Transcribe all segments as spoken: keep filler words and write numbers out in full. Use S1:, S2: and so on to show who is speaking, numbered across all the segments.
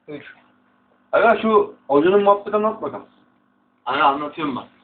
S1: üç.
S2: Aga şu hocanın muhabbeti anlat bakalım.
S3: Hani anlatıyorum bak.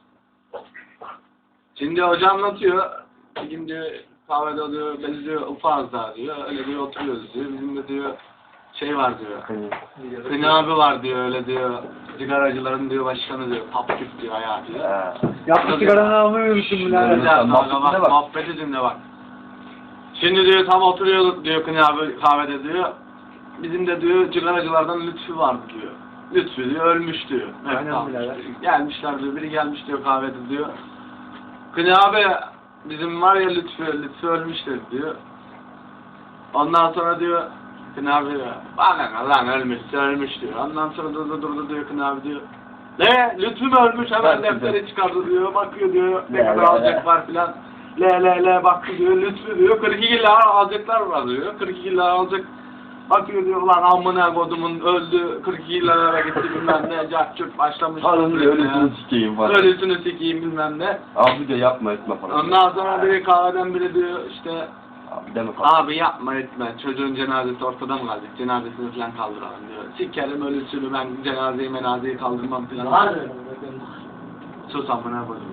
S3: Şimdi hoca anlatıyor. Bir gün diyor kahvede diyor, biz diyor ufağız daha diyor. Öyle diyor oturuyoruz diyor. Bizim de diyor şey var diyor. Kını abi var diyor öyle diyor. Sigaracıların diyor başkanı diyor. Papküp diyor ayağı diyor.
S1: Yaptı sigaranı almayı unuttum bile.
S3: Güzel
S2: muhabbetine
S3: bak,
S2: bak.
S3: muhabbeti dinle bak. Şimdi diyor tam oturuyorduk diyor Kını abi kahvede diyor. Bizim de diyor cigaracılardan Lütfü vardı diyor. Lütfü diyor ölmüş diyor. Evet,
S1: Aynen
S3: tamam.
S1: birader.
S3: Gelmişler diyor. Biri gelmiş diyor kahvede diyor. Kını abi bizim var ya Lütfü, Lütfü ölmüştür diyor. Ondan sonra diyor Kını abi diyor. Bana lan ölmüşse ölmüş diyor. Ondan sonra durdu durdu diyor Kını abi diyor. Ne? Lütfü mü ölmüş? Hemen defteri çıkardı diyor. Bakıyor diyor. Ne kadar alacak var filan. Le le le baktı diyor. Lütfü diyor. kırk iki lira alacaklar var diyor. kırk iki lira alacak. Bakıyor diyor lan amına kodumun öldü. kırk iki lira gitti bilmem ne. Cahçurt başlamış.
S2: Alın diyor ölüsünü sikeyim falan.
S3: Ölüsünü sikeyim bilmem ne.
S2: Abi de yapma etme falan.
S3: Ondan sonra biri kahveden biri diyor işte
S2: Abi deme falan.
S3: abi yapma etme çocuğun cenazesi ortada mı kalacak cenazesini falan kaldıralım diyor. Sikerim ölüsünü ben cenazeyi menazeyi kaldırmam falan. Sus amına koyayım.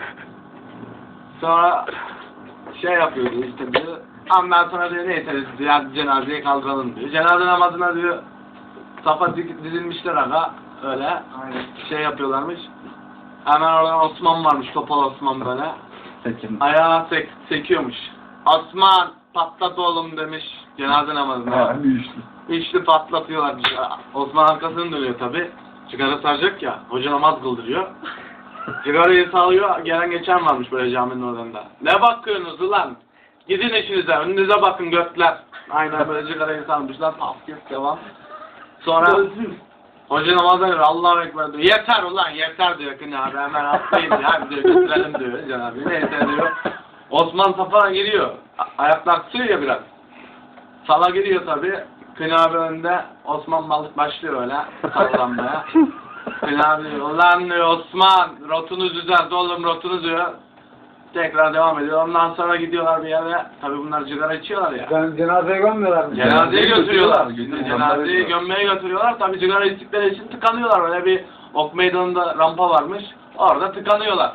S3: Sonra şey yapıyordu işte diyor. Ondan sonra diyor neyse diyor cenazeyi kaldıralım diyor. Cenaze namazına diyor safa dizilmişler aga öyle
S1: Aynen.
S3: şey yapıyorlarmış. Hemen oradan Osman varmış topal Osman böyle.
S2: Seçim.
S3: Ayağı sek sekiyormuş. Osman patlat oğlum demiş cenaze namazına.
S2: Ha, bir üçlü.
S3: Üçlü patlatıyorlar. Osman arkasını dönüyor tabi. Sigara saracak ya. Hoca namaz kıldırıyor. Sigarayı sağlıyor. Gelen geçen varmış böyle caminin oralarında. Ne bakıyorsunuz ulan? Gidin işinize. Önünüze bakın götler. Aynen böyle sigarayı sarmışlar. Tafkif devam. Sonra hoca namazdan diyor. Allahu Ekber diyor. Yeter ulan yeter diyor. Kını abi hemen atlayın ya. Diyor, götürelim diyor. Cenab-ı neyse diyor. Osman safa giriyor. A ayaklar tutuyor ya biraz. Sala giriyor tabi. Kını abi önde. Osman balık başlıyor öyle. Sallanmaya. Kını abi diyor. Ulan diyor Osman. Rotunuz düzelt oğlum rotunuz diyor. Tekrar devam ediyor. Ondan sonra gidiyorlar bir yere. Tabi bunlar sigara içiyorlar ya.
S1: Ben cenazeye gömmüyorlar mı?
S3: Cenazeyi götürüyorlar.
S2: Götürüyorlar.
S3: Cenazeyi gömmeye götürüyorlar. Tabi sigara içtikleri için tıkanıyorlar. Öyle bir ok meydanında rampa varmış. Orada tıkanıyorlar.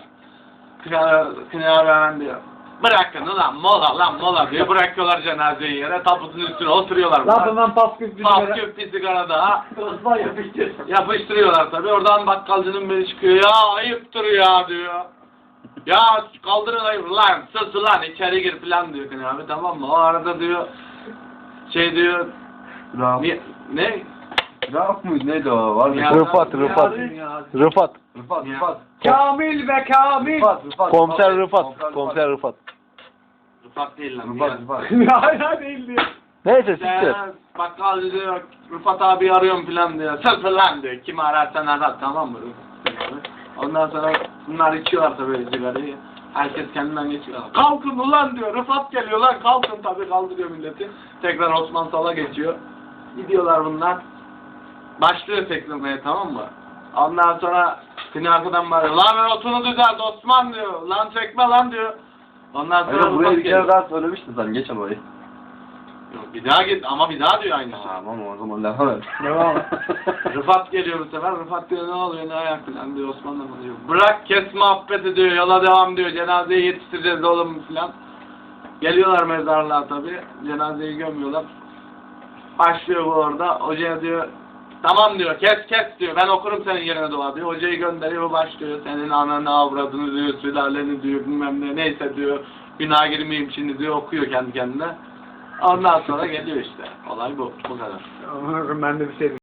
S3: Kını abi hemen diyor. Bırakın ulan mola lan mola diyor. Bırakıyorlar cenazeyi yere. Tabutun üstüne oturuyorlar.
S1: Lafından pasküp bir sigara.
S3: Pasküp bir sigara daha.
S1: Osman yapıştır.
S3: Yapıştırıyorlar tabi. Oradan bakkalcının biri çıkıyor. Ya ayıptır ya diyor. Ya kaldırın ayıp lan sus lan içeri gir falan diyor Kını abi tamam mı? O arada diyor şey diyor
S2: Raf.
S3: ni, ne?
S2: Raf mıydı neydi o? Var mı?
S3: Ya-
S4: Rıfat, Rıfat. Rıfat.
S2: Rıfat,
S3: Ya.
S2: Rıfat.
S1: Kamil ve Kamil.
S2: Rıfat, Rıfat.
S4: Komiser Rıfat. Komiser Rıfat.
S3: Rıfat değil lan.
S2: Rıfat,
S3: Rıfat.
S2: Rıfat.
S1: Hala değil diyor.
S4: Neyse siktir.
S3: Bakkal diyor Rıfat abi arıyorum falan diyor. Sus lan diyor. Kimi ararsan arar tamam mı? Ondan sonra bunlar içiyorlar tabii sigarayı. Herkes kendinden geçiyor. Kalkın ulan diyor. Rıfat geliyor lan kalkın tabii kaldırıyor milleti. Tekrar Osman Sal'a geçiyor. Gidiyorlar bunlar. Başlıyor teklemeye tamam mı? Ondan sonra Kını arkadan bağırıyor. Lan ben otunu düzelt Osman diyor. Lan çekme lan diyor. Ondan sonra
S2: Hayır, buraya
S3: Rıfat
S2: bir
S3: geliyor.
S2: kere daha söylemiştin sen geç orayı.
S3: Yok, bir daha git ama bir daha diyor aynısı.
S2: Tamam o zaman devam et.
S1: Devam.
S3: Rıfat geliyor bu sefer. Rıfat diyor ne oluyor ne ayak falan diyor Osman'la mı diyor. Bırak kes muhabbeti diyor. Yola devam diyor. Cenazeyi yetiştireceğiz oğlum falan. Geliyorlar mezarlığa tabi. Cenazeyi gömüyorlar. Başlıyor bu orada. Hocaya diyor tamam diyor kes kes diyor. Ben okurum senin yerine dua diyor. Hocayı gönderiyor başlıyor. Senin ananı avradını diyor. Sülaleni diyor bilmem ne neyse diyor. Günah girmeyeyim şimdi diyor okuyor kendi kendine. Ondan sonra geliyor işte. Olay bu. Bu kadar.
S1: Ama ben de bir şey